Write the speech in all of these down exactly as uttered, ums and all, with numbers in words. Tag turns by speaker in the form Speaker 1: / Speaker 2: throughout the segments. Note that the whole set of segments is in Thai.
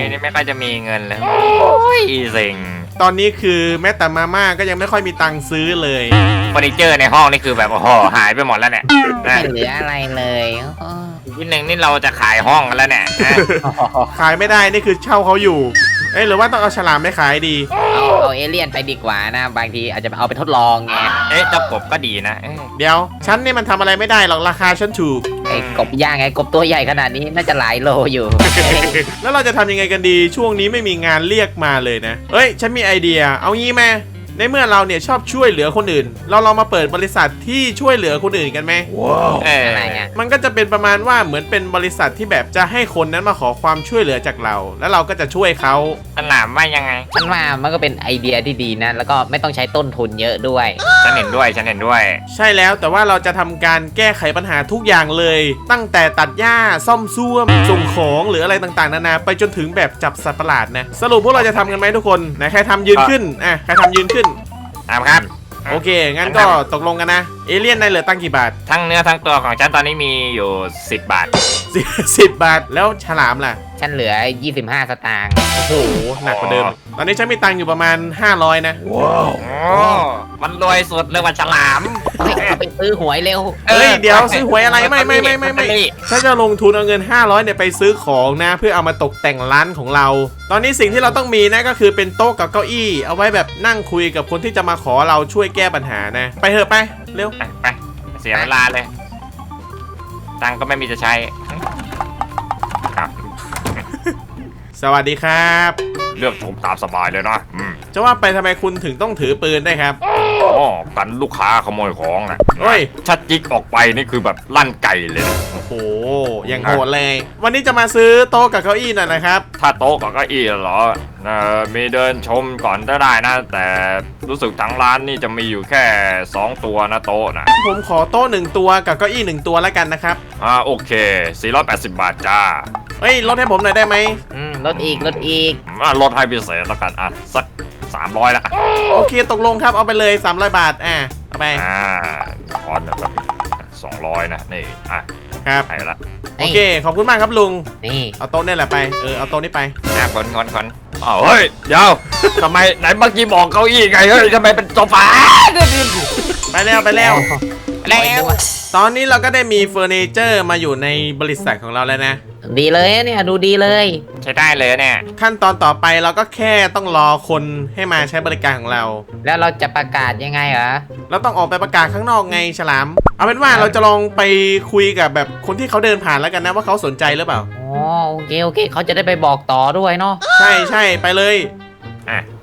Speaker 1: นี่ไม่ค่อยจะมีเงินเลยโอ้ยเซ็ง
Speaker 2: ตอนนี้คือแม้แต่มาม่าก็ยังไม่ค่อยมีตังค์ซื้อเลย
Speaker 1: เฟอร์นิเจอร์ในห้องนี่คือแบบโอ้โหหายไปหมดแล้วเนี่ย
Speaker 3: ไม่เหลืออะไรเลย
Speaker 1: ทีหนึ่งนี่เราจะขายห้องกันแล้วเนี่ย
Speaker 2: ขายไม่ได้นี่คือเช่าเขาอยู่เอ้ยหรือว่าต้องเอาฉลามไปขายดี
Speaker 3: เอาเอาเอเลี่ยนไปดีกว่านะบางทีอาจจะเอาไปทดลองไง
Speaker 1: เอ๊ะเจ้ากบก็ดีนะ
Speaker 2: เดี๋ยวฉันนี่มันทำอะไรไม่ได้หรอกราคาฉันถูก
Speaker 3: ไอ้กบย่างไงกบตัวใหญ่ขนาดนี้น่าจะหลายโลอยู่
Speaker 2: แล้วเราจะทำยังไงกันดีช่วงนี้ไม่มีงานเรียกมาเลยนะเอ้ยฉันมีไอเดียเอางี้ไหมในเมื่อเราเนี่ยชอบช่วยเหลือคนอื่นเราลองมาเปิดบริษัทที่ช่วยเหลือคนอื่นกันไหม
Speaker 1: ว้าว
Speaker 3: อะไรเงี้ย
Speaker 2: มันก็จะเป็นประมาณว่าเหมือนเป็นบริษัทที่แบบจะให้คนนั้นมาขอความช่วยเหลือจากเราแล้วเราก็จะช่วยเขา
Speaker 1: ฉลามว่ายังไง
Speaker 3: ฉันว่ามันก็เป็นไอเดียที่ดีนะแล้วก็ไม่ต้องใช้ต้นทุนเยอะด้วย
Speaker 1: ฉันเห็นด้วยฉันเห็นด้วย
Speaker 2: ใช่แล้วแต่ว่าเราจะทำการแก้ไขปัญหาทุกอย่างเลยตั้งแต่ตัดหญ้าซ่อมซ่วมส่งของหรืออะไรต่างๆนานาไปจนถึงแบบจับสัตว์ประหลาดนะสรุปพวกเราจะทำกันไหมทุกคนไหนใครทำยืนขึ้นอ่ะใครทำยืนขึ้น
Speaker 1: ตามครับ
Speaker 2: โอเคงั้นก็ตกลงกันนะเอเลี่ยนได้เหลือตั้งกี่บาท
Speaker 1: ทั้งเนื้อทั้งตัวของฉันตอนนี้มีอยู่สิบบาท
Speaker 2: สิบบาทแล้วฉลามล่ะ
Speaker 3: ฉันเหลือยี่สิบห้าสตางค์
Speaker 2: โอ้โหหนักกว่าเดิมตอนนี้ฉันมีตังค์อยู่ประมาณห้าร้อยนะ
Speaker 1: ว้าวมันรวยสุดเลยว่าฉลาม
Speaker 3: ไปซื้อหวยเร็ว
Speaker 2: เฮ้ยเดี๋ยวซื้อหวยอะไรไม่ไม่ไม่ไม่ไม่ฉันจะลงทุนเอาเงินห้าร้อยเนี่ยไปซื้อของนะเพื่อเอามาตกแต่งร้านของเราตอนนี้สิ่งที่เราต้องมีนะก็คือเป็นโต๊ะกับเก้าอี้เอาไว้แบบนั่งคุยกับคนที่จะมาขอเราช่วยแก้ปัญหานะไปเถอะไปเร็ว
Speaker 1: ไปไปเสียเวลาเลยตังก็ไม่มีจะใช้ครับ
Speaker 2: สวัสดีครับ
Speaker 1: เลือกชมตามสบายเลยนะ
Speaker 2: จะว่าไปทำไมคุณถึงต้องถือปืนได้ครับ
Speaker 1: อ๋อกันลูกค้าขโมยของนะ
Speaker 2: เฮ้ย
Speaker 1: ชัดจิกออกไปนี่คือแบบลั่นไก่เลย
Speaker 2: โอ้โหยังโหดเลยวันนี้จะมาซื้อโต๊ะกับเก้าอี้หน่อยนะครับ
Speaker 1: ถ้าโต๊ะกับเก้าอี้เหรอเออมีเดินชมก่อนก็ได้นะแต่รู้สึกทั้งร้านนี่จะมีอยู่แค่สองตัวนะโต๊ะนะ
Speaker 2: ผมขอโต๊ะหนึ่งตัวกับเก้าอี้หนึ่งตัวแล้วกันนะครับ
Speaker 1: อ่าโอเคสี่ร้อยแปดสิบบาทจ้า
Speaker 2: เฮ้ยลดให้ผมหน่อยได้ไหม
Speaker 3: อืมลดอีกลดอีก
Speaker 1: อ่าลดให้พิเศษแล้วกันอ่ะสักสามร้อยละ
Speaker 2: โอเคตกลงครับเอาไปเลยสามร้อยบาทอ่ะเอาไป
Speaker 1: อ่าคอนแบบสองร้อยนะนี่อ่ะ
Speaker 2: ครับ
Speaker 1: ไปละ
Speaker 2: โอเคขอบคุณมากครับลุง
Speaker 3: นี่
Speaker 2: เอาโต๊ะนี่แหละไปเออเอาโต๊ะนี้ไป
Speaker 1: อ่ะคนคนคนอ๋อเฮ้ยเดี๋ยวทำไมไหนเมื่อกี้บอกเก้าอี้ไงเฮ้ยทำไมเป็นโซฟา
Speaker 2: ไปแล้วไปแล้ว
Speaker 3: แล้ว
Speaker 2: ตอนนี้เราก็ได้มีเฟอร์นิเจอร์มาอยู่ในบริษัทของเราแล้วนะ
Speaker 3: ดีเลยเนี่ยดูดีเลย
Speaker 1: ใช้ได้เลยเนี่ย
Speaker 2: ขั้นตอนต่อไปเราก็แค่ต้องรอคนให้มาใช้บริการของเรา
Speaker 3: แล้วเราจะประกาศยังไงเหรอ
Speaker 2: เราต้องออกไปประกาศข้างนอกไงฉลามเอาเป็นว่าเราจะลองไปคุยกับแบบคนที่เขาเดินผ่านแล้วกันนะว่าเขาสนใจหรือเปล่า
Speaker 3: อ๋อโอเคโอเคเขาจะได้ไปบอกต่อด้วยเนาะ
Speaker 2: ใช่ใช่ไปเลย
Speaker 1: อ่ะไป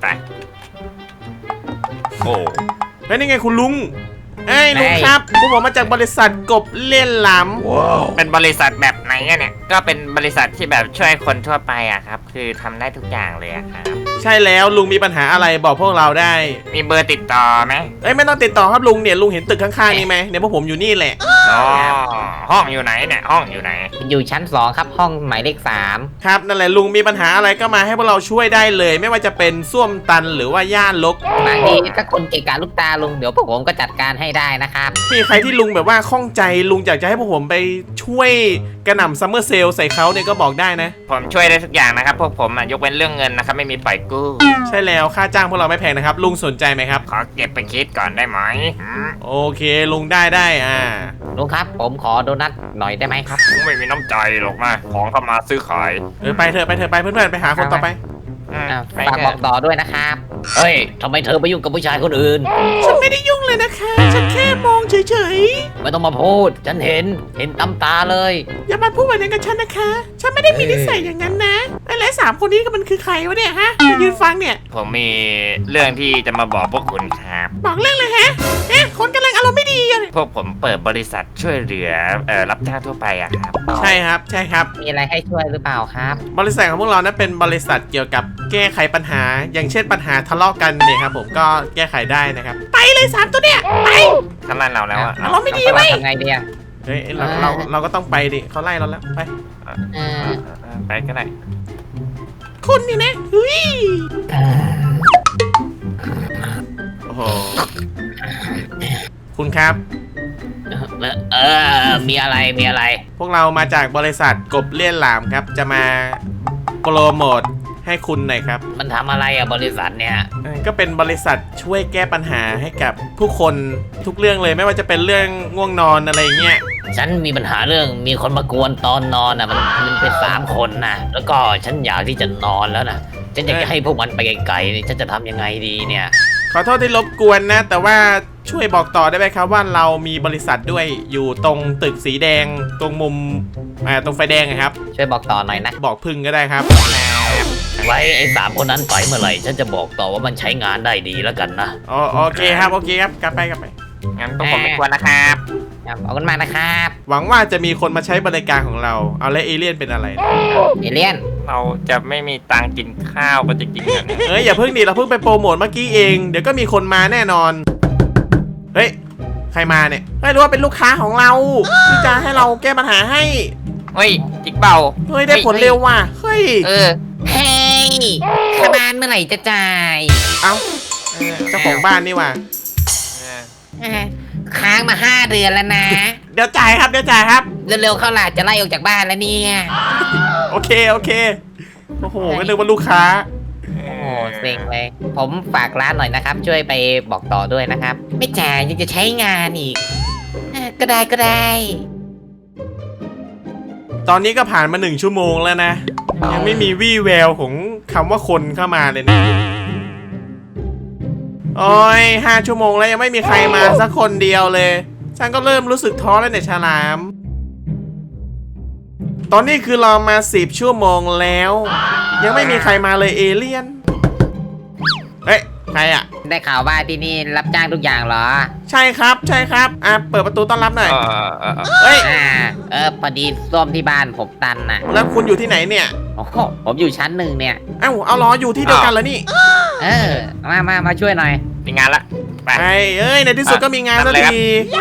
Speaker 1: โอ้
Speaker 2: เฮ้ยนี่ไงคุณลุงเอ้ยลุงครับพวกผมมาจากบริษัทกบเล่นหลาม
Speaker 1: เป็นบริษัทแบบไหนเนี่ยก็เป็นบริษัทที่แบบช่วยคนทั่วไปอะครับคือทำได้ทุกอย่างเลยอะครับ
Speaker 2: ใช่แล้วลุงมีปัญหาอะไรบอกพวกเราได้
Speaker 1: มีเบอร์ติดต่อไหม
Speaker 2: เอ้ยไม่ต้องติดต่อครับลุงเนี่ยลุงเห็นตึกข้างๆนี่ไหมเนี่ยพวกผมอยู่นี่แหละ
Speaker 1: อ๋อห้องอยู่ไหนเนี่ยห้องอยู่ไหน
Speaker 3: อยู่ชั้นสองครับห้องหมายเลขสาม
Speaker 2: ครับนั่นแหละลุงมีปัญหาอะไรก็มาให้พวกเราช่วยได้เลยไม่ว่าจะเป็นส้วมตันหรือว่าย่านรก
Speaker 3: บางทีถ้าคนเกะกะลูกตาลุงเดี๋ยวพวกผมก็จัดการให้ได้นะครับ
Speaker 2: มีใครที่ลุงแบบว่าข้องใจลุงอยากจะให้พวกผมไปช่วยกระหน่ำซัมเมอร์เซลใส่เขาเนี่ยก็บอกได้นะ
Speaker 1: ผมช่วยได้ทุกอย่างนะครับพวกผมยกเว้นเรื่องเงินนะครับไม่มีปล่อยกู้
Speaker 2: ใช่แล้วค่าจ้างพวกเราไม่แพงนะครับลุงสนใจไหมครับ
Speaker 1: ขอเก็บไปคิดก่อนได้ไหม
Speaker 2: โอเคลุงได้ได้อ่า
Speaker 3: ลุงครับผมขอโดนัทหน่อยได้ไหมครับ
Speaker 1: ไม่มีน้ำใจหรอกนะของเข้ามาซื้อขาย
Speaker 2: เออไปเถอะไปเถอะไปเพื่อนๆไปหาคนต่อไป
Speaker 3: ฝากบอกต่อด้วยนะครับเฮ้ยทำไมเธอไปยุ่งกับผู้ชายคนอื่น
Speaker 2: ฉันไม่ได้ยุ่งเลยนะคะฉันแค่มองเฉย
Speaker 3: ๆไม่ต้องมาพูดฉันเห็นเห็นตำตาเลย
Speaker 2: อย่ามาพูดแบบนั้นกับฉันนะคะฉันไม่ได้มีนิสัยอย่างนั้นนะไอ้และสามคนนี้ก็มันคือใครวะเนี่ยฮะยืนฟังเนี่ย
Speaker 1: ผมมีเรื่องที่จะมาบอกพวกคุณครับ
Speaker 2: บอกเรื่องเลยฮะเอ๊ะคนกำลังอารมณ์ไม่ดีเลย
Speaker 1: พวกผมเปิดบริษัทช่วยเหลือเอ่อรับจ้างทั่วไปอะครับ
Speaker 2: ใช่ครับใช่ครับ
Speaker 3: มีอะไรให้ช่วยหรือเปล่าครับ
Speaker 2: บริษัทของพวกเรานั้นเป็นบริษัทเกี่ยวกับแก้ไขปัญหาอย่างเช่นปัญหาทะเลาะกันเนี่ยครับผมก็แก้ไขได้นะครับไปเลยสามตัวเนี่ยไป
Speaker 1: ทำไมเราแล้วอะ
Speaker 2: เราไม่ดีไว้
Speaker 3: ทำไงดีอะ
Speaker 2: เฮ้ยเราเราเราก็ต้องไปดิเขาไล่เราแล้วไป
Speaker 1: ไปก็ได้
Speaker 2: คุณนี่นะเฮ้ยโอ้โหคุณครับ
Speaker 3: เออมีอะไรมีอะไร
Speaker 2: พวกเรามาจากบริษัทกบเลี่ยนหลามครับจะมาโปรโมทให้คุณหน่อยครับ
Speaker 3: มันทำอะไรอะบริษัทเนี่ย
Speaker 2: เออก็เป็นบริษัทช่วยแก้ปัญหาให้กับผู้คนทุกเรื่องเลยไม่ว่าจะเป็นเรื่องง่วงนอนอะไรอย่างเงี้ย
Speaker 3: ฉันมีปัญหาเรื่องมีคนมากวนตอนนอนอะมันมันเป็นสามคนนะแล้วก็ฉันอยากที่จะนอนแล้วนะฉันอยากจะให้พวกมันไปไกลๆนี่ฉันจะทำยังไงดีเนี่ย
Speaker 2: ขอโทษที่รบกวนนะ แต่ว่าช่วยบอกต่อได้ไหมครับว่าเรามีบริษัทด้วยอยู่ตรงตึกสีแดงตรงมุมอ่าตรงไฟแดงอะครับ
Speaker 3: ช่วยบอกต่อหน่อยนะ
Speaker 2: บอกพึ่งก็ได้ครับ
Speaker 3: ไว้ไอ้สามคนนั้นไปเมื่อไหร่ฉันจะบอกต่อว่ามันใช้งานได้ดีแล้วกันนะ
Speaker 2: อ๋อโอเคครับโอเคครับกลับไปกลับไป
Speaker 1: งั้นต้องผมไม่กวนนะครับ
Speaker 3: ครับขอบคุณมากนะครับ
Speaker 2: หวังว่าจะมีคนมาใช้บริการของเราเอาแล้วเอเลี่ยนเป็นอะไร
Speaker 3: เอเลียน
Speaker 1: เราจะไม่มีตังค์กินข้าวกันจริงๆนะเนี่ย
Speaker 2: เอ้ยอย่าเพิ่งดิเราเพิ่งไปโปรโมทเมื่อกี้เองเดี๋ยวก็มีคนมาแน่นอนเฮ้ยใครมาเนี่ยไม่รู้ว่าเป็นลูกค้าของเราที่จะให้เราแก้ปัญหาให้
Speaker 1: เฮ้ยจิกเบา
Speaker 2: เฮ้ยได้ผลเร็วว่ะเฮ้ย
Speaker 1: เออ
Speaker 3: เฮ้ยค่าบ้านเมื่อไหร่จะจ่าย
Speaker 2: เอ้าเจ้าของบ้านนี่ว่ะ
Speaker 3: ค้างมาห้าเดือนแล้วนะ
Speaker 2: เดี๋ยวจ่ายครับเดี๋ยวจ่ายครับ
Speaker 3: เร็วๆเข้าหลาดจะไล่ออกจากบ้านแล้วเนี่ย
Speaker 2: โอเคโอเคโอ้โหก็นึกว่าลูกค้า
Speaker 3: โอ้เซ็งเลย ผมฝากร้านหน่อยนะครับ ช่วยไปบอกต่อด้วยนะครับ ไม่จ่ายยังจะใช้งานอีกเอ่อก็ได้ก็ได้
Speaker 2: ตอนนี้ก็ผ่านมาหนึ่งชั่วโมงแล้วนะยังไม่มีวี่แววของคำว่าคนเข้ามาเลยนะโอ้ยห้าชั่วโมงแล้วยังไม่มีใครมาสักคนเดียวเลยฉันก็เริ่มรู้สึกท้อแล้วเนี่ยฉลาม ตอนนี้คือรอมาสิบชั่วโมงแล้ว ยังไม่มีใครมาเลยเอเลี่ยนเฮ้ยใครอ่ะ
Speaker 3: ได้ข่าวว่าที่นี่รับจ้างทุกอย่างเหรอ
Speaker 2: ใช่ครับใช่ครับอ่ะเปิดประตูต้อนรับหน่อย
Speaker 1: เออเออเออ
Speaker 2: เฮ้ย
Speaker 3: อ่า เออพอดีส้วมที่บ้านผมตันน่ะ
Speaker 2: แล้วคุณอยู่ที่ไหนเนี่ย
Speaker 3: โอ้โหผมอยู่ชั้นหนึ่งเนี่ย
Speaker 2: เอ้าเอาล้ออยู่ที่เดียวกันแล้วนี่
Speaker 3: เออ มามามาช่วยหน่อย
Speaker 1: มีงานละไป
Speaker 2: ไอ้เอ้ยในที่สุดก็มีงานสัก
Speaker 1: ทำเลยครับ
Speaker 2: ที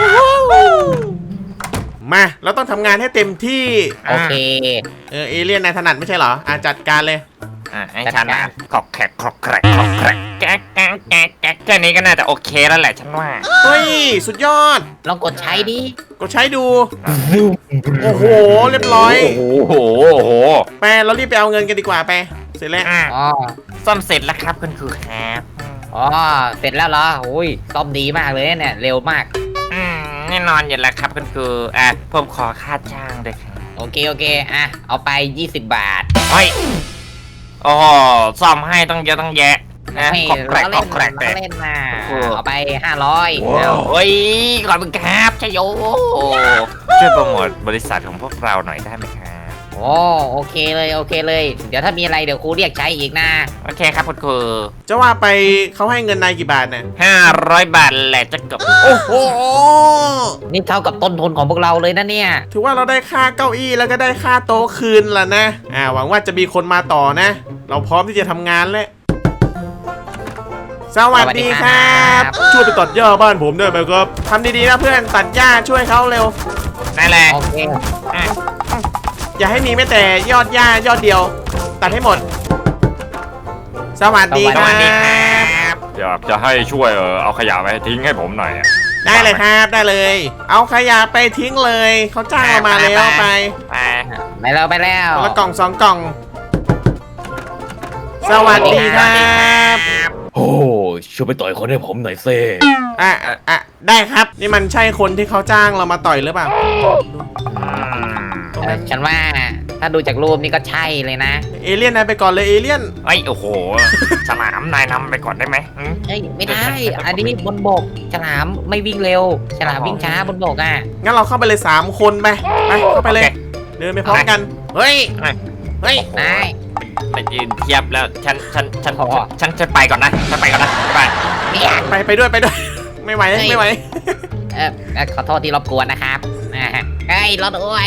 Speaker 2: มาเราต้องทำงานให้เต็มที่
Speaker 3: โอเค
Speaker 2: เออเอเลี่ยนนายถนัดไม่ใช่เหรออ่ะจัดการเลย
Speaker 1: อ่ะให้ฉันนะขอกแขกขอกแขกขอกแขกแก๊กแก๊กแก๊กแก๊กแค่นี้ก็น่าจะโอเคแล้วแหละฉันว่า
Speaker 2: เฮ้ยสุดยอด
Speaker 3: ลองกดใช้ดิ
Speaker 2: ก็ใช้ดูโอ้โหเรียบร้อย
Speaker 1: โอ้โหโอ้โห
Speaker 2: ไปเรารีบไปเอาเงินกันดีกว่าไปเสร็จแล้ว
Speaker 1: อ่ะ
Speaker 3: อ๋อ
Speaker 1: ซ่อมเสร็จแล้วครับคุณครูครับ
Speaker 3: อ๋อ เสร็จแล้วเหรอโอ้ยซ่อมดีมากเลยเนี่ย เร็วมาก
Speaker 1: อืมแน่นอนอยู่แล้วครับคุณครูอ่ะผมขอค่าจ้างด้วยครับ
Speaker 3: โอเค โอเค อ่ะ เอาไป ยี่สิบบาท
Speaker 1: เฮ้ยโอ้โหซ่อมให้ต้องเยอะต้องแยะนะ
Speaker 3: ให้
Speaker 1: ขอบแกร
Speaker 3: ล้อก
Speaker 1: ข
Speaker 3: เล่
Speaker 1: อน บแกรก
Speaker 3: ล้
Speaker 1: เล
Speaker 3: อย เล่นนะ
Speaker 1: โอ้
Speaker 3: เอาไปห้าร้อย
Speaker 1: โอ้ยขอบคุณครับชโยช่วยโปรโมทบริษัทของพวกเราหน่อยได้ไหมครับ
Speaker 3: โอ้โอเคเลยโอเคเลย เดี๋ยวถ้ามีอะไรเดี๋ยวครูเรียกใช้อีกนะ
Speaker 1: โอเคครับคุณครู
Speaker 2: จะว่าไปเขาให้เงินนายกี่บาทเนี่ย
Speaker 1: ห้าร้อยบาทแหละจะจบ
Speaker 2: โอ้โห
Speaker 3: นี่เท่ากับต้นทุนของพวกเราเลยนะเนี่ย
Speaker 2: ถือว่าเราได้ค่าเก้าอี้แล้วก็ได้ค่าโต๊ะคืนแล้วนะอ่าหวังว่าจะมีคนมาต่อนะ เราพร้อมที่จะทำงานแล้วสวัสดีครับช่วยไปตัดหญ้าบ้านผมได้ไหมครับทำดีๆนะเพื่อนตัดหญ้าช่วยเขาเร็ว
Speaker 1: นั่นแหละ
Speaker 3: โอเค
Speaker 1: อ่ะ
Speaker 2: อย่าให้มีแม้แต่ยอดหญ้ายอดเดียว ตัดให้หมด สวัสดี
Speaker 1: ส
Speaker 2: ค
Speaker 1: วั
Speaker 2: รั
Speaker 1: สดีครับ บ
Speaker 4: อยากจะให้ช่วยเออเอาขยะไปทิ้งให้ผมหน่อยอะ
Speaker 2: ได้เลยครับได้เลย เอาขยะไปทิ้งเลยเขาจ้างเรามาแล้วไป
Speaker 1: ไป
Speaker 3: ไปแล้วไปแล้ว
Speaker 2: คนละกล่องสองกล่อง สวัสดีครับ
Speaker 3: โอ้ช่วยไปต่อยคนให้ผมหน่อยเซ่
Speaker 2: อ่ะอ่ะอ่ะได้ครับ นี่มันใช่คนที่เขาจ้างเรามาต่อยหรือเปล่า
Speaker 3: ฉันว่าถ้าดูจากรูปนี่ก็ใช่เลยนะ
Speaker 2: เอเลี่ยนนายไปก่อนเลยเอเลี่ยน
Speaker 1: ไอ้ยโอ้โหฉลามนายนำไปก่อนได้ไหมอืม
Speaker 3: เอ้ยไม่ได้ อันนี้บนบก ฉลามไม่วิ่งเร็ว ฉลามวิ่งช้าบนบกอ่ะ
Speaker 2: งั้นเราเข้าไปเลยสามคนไปไปเข้าไปเลย เดินไปพร้อมกัน เฮ้ย เฮ้ย
Speaker 3: นาย
Speaker 1: มายืนเทียบแล้วฉันฉันฉัน
Speaker 3: อ๋อ
Speaker 1: ฉันจะไปก่อนนะฉันไปก่อนนะไป
Speaker 3: เนี่ย
Speaker 2: ไปไปด้วยไปด้วย ไม่ไหวไม่ไหว
Speaker 3: เออเอ่อขอโทษที่รบกวนนะครับอ่าเฮ้ยรถด้วย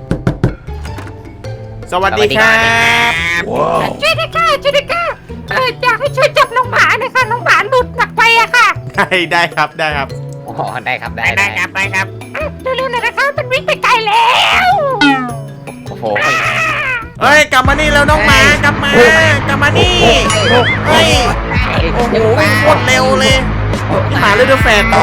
Speaker 2: สวัสดีครับ
Speaker 5: ช่วยด้วยค่ะช่วยด้วยค่ะเอออยากให้ช่วยจับน้องหมาหน่อยค่ะน้องหมาหลุดหนักไปอะค่ะ
Speaker 2: ได้ได้ครับได้ครับ
Speaker 3: โอ้โหได้ครับได้
Speaker 1: ได้ครับได้ครับ
Speaker 5: อ่ะเร็วๆหน่อยนะคะมันวิ่งไปไกลแล้ว
Speaker 3: โอ้โห
Speaker 2: เฮ้ยกลับมานี่แล้วน้องหมากลับมากลับมานี่เฮ้ยโอ้โหวิ่งโคตรเร็วเลยนี่หมาเลยด้วยแฟน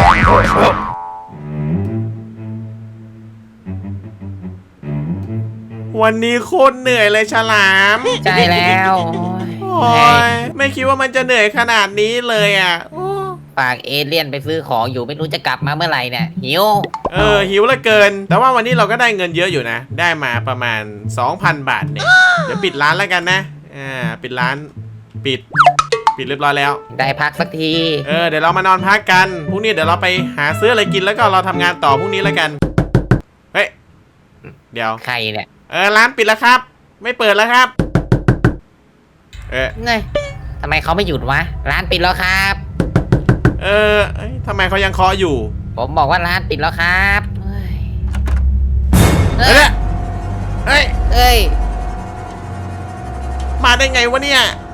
Speaker 2: วันนี้โคตรเหนื่อยเลยฉลาม
Speaker 3: ใช่แล้ว
Speaker 2: โอ้โอ้ยไม่คิดว่ามันจะเหนื่อยขนาดนี้เลยอ่ะโอ้
Speaker 3: ฝากเอเลี่ยนไปซื้อของอยู่ไม่รู้จะกลับมาเมื่อไหร่เนี่ยหิว
Speaker 2: เออหิวเหลือเกิน แต่ว่าวันนี้เราก็ได้เงินเยอะอยู่นะ ได้มาประมาณ สองพัน บาทเนี่ยเดี๋ยวปิดร้านแล้วกันนะอ่าปิดร้านปิดปิดเรียบร้อยแล้ว
Speaker 3: ได้พักสักที
Speaker 2: เออเดี๋ยวเรามานอนพักกันพรุ่งนี้เดี๋ยวเราไปหาซื้ออะไรกินแล้วก็เราทำงานต่อพรุ่งนี้แล้วกันเฮ้ยเดี๋ยว
Speaker 3: ใครเนี่ย
Speaker 2: เออร้านปิดแล้วครับ ไม่เปิดแล้วครับเออ
Speaker 3: เงยทำไมเขาไม่หยุดวะร้านปิดแล้วครับ
Speaker 2: เออเอ้ยทำไมเขายังเคาะอยู่
Speaker 3: ผมบอกว่าร้านปิดแล้วครับเฮ้ย
Speaker 2: เอ้ยเอ้ย
Speaker 3: เอ้ย
Speaker 2: มาได้ไงวะเนี่ย